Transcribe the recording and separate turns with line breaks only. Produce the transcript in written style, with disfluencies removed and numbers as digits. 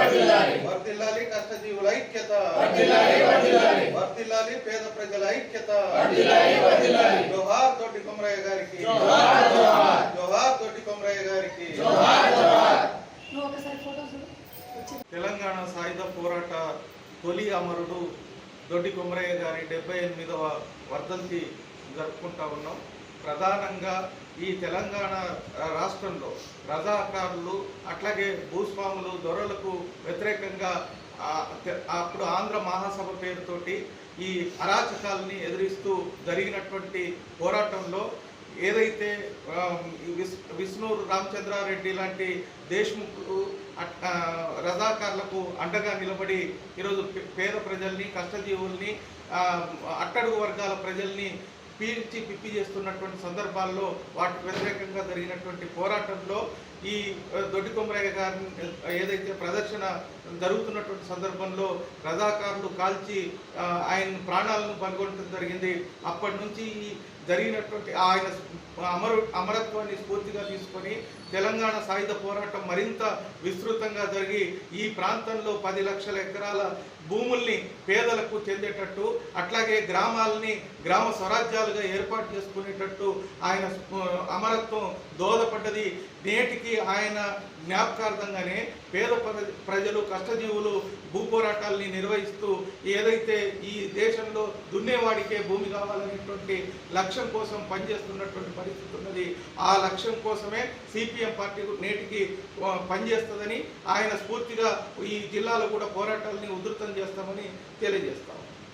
వర్ధిల్లాలి కష్టజీవుల ఐక్యత, వర్ధిల్లాలి పేద ప్రజల ఐక్యత. జోహార్ తోటి కొమరయ్య గారికి, జోహార్ తోటి కొమరయ్య గారికి. తెలంగాణ సాయుధ పోరాట తొలి అమరుడు దొడ్డి కొమరయ్య గారి 78వ వర్ధంతి జరుపుకుంటా ఉన్నాం. ప్రధానంగా ఈ తెలంగాణ రాష్ట్రంలో రజాకారులు అట్లాగే భూస్వాములు దొరలకు వ్యతిరేకంగా అప్పుడు ఆంధ్ర మహాసభ పేరుతోటి ఈ అరాచకాలని ఎదిరిస్తూ జరిగినటువంటి పోరాటంలో ఏదైతే విష్ణూరు రామచంద్రారెడ్డి లాంటి దేశ్ముఖులు రజాకారులకు అండగా నిలబడి ఈరోజు పేద ప్రజల్ని, కష్టజీవుల్ని, అట్టడుగు వర్గాల ప్రజల్ని పీల్చి పిప్పి చేస్తున్నటువంటి సందర్భాల్లో వాటికి వ్యతిరేకంగా జరిగినటువంటి పోరాటంలో ఈ దొడ్డి కొమరయ్య గారి ఏదైతే ప్రదర్శన జరుగుతున్నటువంటి సందర్భంలో రజాకారులు కాల్చి ఆయన ప్రాణాలను పనుగొనడం జరిగింది. అప్పటి నుంచి జరిగినటువంటి ఆయన అమరత్వాన్ని స్ఫూర్తిగా తీసుకొని తెలంగాణ సాయుధ పోరాటం మరింత విస్తృతంగా జరిగి ఈ ప్రాంతంలో 10 లక్షల ఎకరాల భూముల్ని పేదలకు చెందేటట్టు, అట్లాగే గ్రామాలని గ్రామ స్వరాజ్యాలుగా ఏర్పాటు చేసుకునేటట్టు ఆయన అమరత్వం దోహదపడ్డది. నేటికి ఆయన జ్ఞాపకార్థంగానే పేద ప్రజలు, కష్టజీవులు భూ పోరాటాలని నిర్వహిస్తూ ఏదైతే ఈ దేశంలో దున్నేవాడికే భూమి కావాలనేటువంటి లక్ష్యం కోసం పనిచేస్తున్నటువంటి పరిస్థితి ఉన్నది. ఆ లక్ష్యం కోసమే సిపిఎం పార్టీ నేటికి పనిచేస్తుందని ఆయన స్ఫూర్తిగా ఈ జిల్లాలో కూడా పోరాటాలని ఉధృతం చేస్తామని తెలియజేస్తాం.